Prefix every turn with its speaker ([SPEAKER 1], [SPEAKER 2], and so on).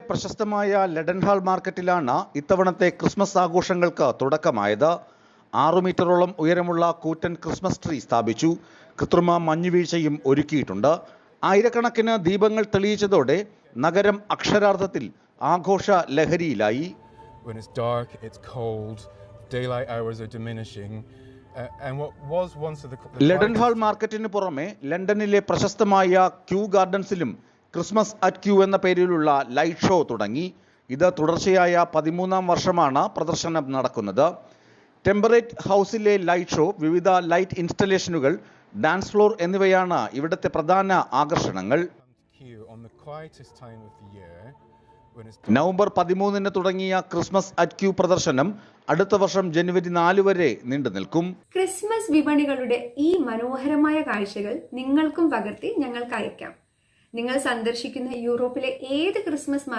[SPEAKER 1] പ്രശസ്തമായ ലണ്ടൻഹാൾ മാർക്കറ്റിലാണ് ഇത്തവണത്തെ ക്രിസ്മസ് ആഘോഷങ്ങൾക്ക് തുടക്കമായത്. 6 മീറ്ററോളം ഉയരമുള്ള കൂറ്റൻ ക്രിസ്മസ് ട്രീ സ്ഥാപിച്ചു. കൃത്രിമ മഞ്ഞുവീഴ്ചയും ഒരുക്കിയിട്ടുണ്ട്. ആയിരക്കണക്കിന് ദീപങ്ങൾ തെളിയിച്ചതോടെ നഗരം അക്ഷരാർത്ഥത്തിൽ ആഘോഷ ലഹരിയിലായി.
[SPEAKER 2] When it's dark, it's cold. Daylight hours are diminishing. And what was once the
[SPEAKER 1] ലണ്ടൻഹാൾ മാർക്കറ്റിന് പുറമെ ലണ്ടനിലെ പ്രശസ്തമായ ക്യൂ ഗാർഡൻസിലും ക്രിസ്മസ് അറ്റ് ക്യൂ എന്ന പേരിലുള്ള ലൈറ്റ് ഷോ തുടങ്ങി. ഇത് തുടർച്ചയായ 13ാം വർഷമാണ് പ്രദർശനം നടക്കുന്നത്. ടെമ്പറേറ്റ് ഹൗസിലെ ലൈറ്റ് ഷോ, വിവിധ ലൈറ്റ് ഇൻസ്റ്റലേഷനുകൾ, ഡാൻസ് ഫ്ലോർ എന്നിവയാണ് ഇവിടുത്തെ പ്രധാന ആകർഷണങ്ങൾ. നവംബർ 13-ന് തുടങ്ങിയ ക്രിസ്മസ് അറ്റ് ക്യൂ പ്രദർശനം അടുത്ത വർഷം ജനുവരി 4 വരെ നീണ്ടു നിൽക്കും.
[SPEAKER 3] ക്രിസ്മസ് വിപണികളുടെ ഈ മനോഹരമായ കാഴ്ചകൾ നിങ്ങൾക്കും പകർത്തി ഞങ്ങൾക്ക് അയക്കാം. നിങ്ങൾ സന്ദർശിക്കുന്ന യൂറോപ്പിലെ ഏത് ക്രിസ്മസ്